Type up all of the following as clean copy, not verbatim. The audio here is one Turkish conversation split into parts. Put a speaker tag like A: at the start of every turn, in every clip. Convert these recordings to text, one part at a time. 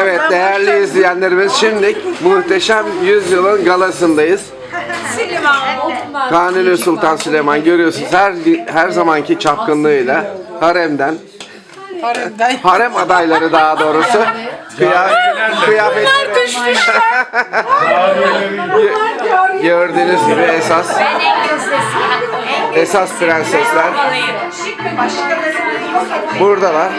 A: Evet değerli izleyenlerimiz, şimdi Muhteşem Yüzyılın galasındayız. Kanuni Sultan Süleyman görüyorsunuz her zamanki çapkınlığıyla haremden harem adayları daha doğrusu kıyafetleri gördüğünüz gibi esas prensesler buradalar.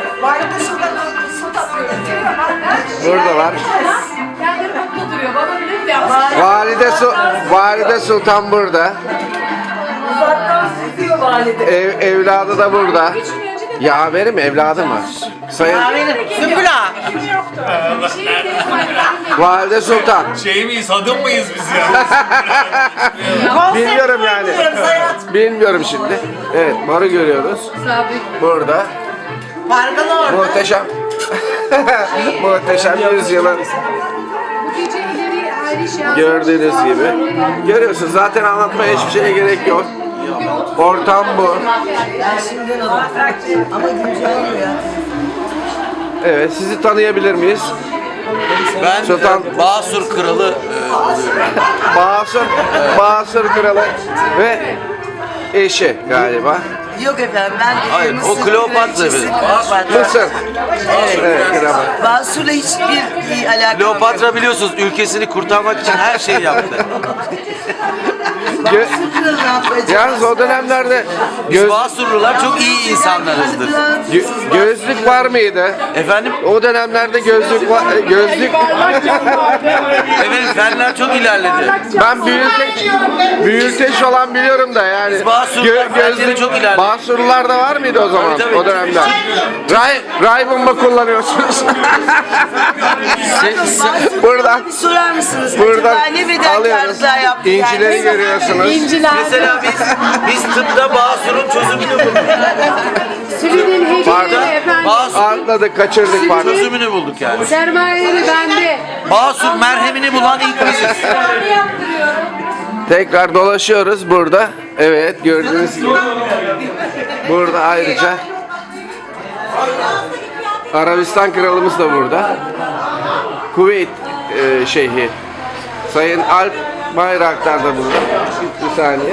A: Buradalar. Valide Sultan burada. Evladı da burada. Yaverim evladı mı? Sayın
B: Sümbüla.
A: Valide Sultan.
C: Şey miyiz, adım mıyız biz ya?
A: Bilmiyorum yani. Bilmiyorum şimdi. Evet, Mar'ı görüyoruz. Burada. Muhteşem. Muhteşem yüzyılın. Gördüğünüz gibi. Görüyorsunuz, zaten anlatmaya hiçbir şeye gerek yok. Ortam bu. Evet, sizi tanıyabilir miyiz?
D: Ben
A: Sultan
D: Basur Kralı
A: Basur Kralı ve eşi galiba.
B: Yok efendim ben
D: Hayır, o Kleopatra efendim.
A: Mısır. Evet, krala.
B: Basur'la hiçbir alakam yok.
D: Kleopatra biliyorsunuz ülkesini kurtarmak için her şeyi yaptı.
A: Yalnız o dönemlerde
D: Biz Basurlular çok iyi insanlarızdır.
A: gözlük var mıydı?
D: Efendim?
A: O dönemlerde gözlük
D: Evet, fenler çok ilerledi.
A: ben büyülteç falan biliyorum da yani.
D: Biz Basurlular fenleri çok ilerledi.
A: Basurlular da var mıydı o zaman
D: Tabii.
A: o dönemde? Ray bomba kullanıyorsunuz. Buradan
B: Bir sorar mısınız?
A: buradan
B: Acaba ne
A: alıyoruz.
B: fedakarlıklar yaptı
A: İncileri
B: yani?
A: görüyorsunuz.
D: Mesela biz tıpta Basur'un çözümünü bulduk.
E: Sülünün hediyeleri
D: Tıpta
E: efendim.
D: Basur
A: Atladık, kaçırdık pardon.
D: çözümünü bulduk yani.
E: Sermayeleri bende.
D: Basur merhemini bulan ilk biziz.
A: Tekrar dolaşıyoruz burada. Evet, gördüğünüz gibi. Burada ayrıca Arabistan kralımız da burada. Kuveyt şeyhi Sayın Alp Bayraktar da burada. Bir saniye.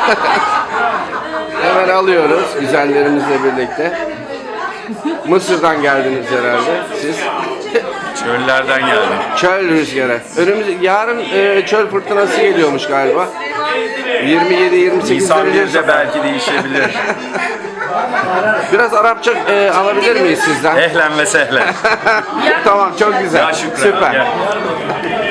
A: Hemen alıyoruz güzellerimizle birlikte. Mısır'dan geldiniz herhalde siz.
C: Çöllerden geldim.
A: Çöl rüzgarı. Yarın çöl fırtınası geliyormuş galiba. 27-28
C: Nisan
A: derece.
C: 1'de belki değişebilir.
A: Biraz Arapça alabilir miyiz sizden?
C: Ehlen ve sehlen.
A: Tamam, çok güzel.
C: Ya şükran.
A: Süper.
C: Gel.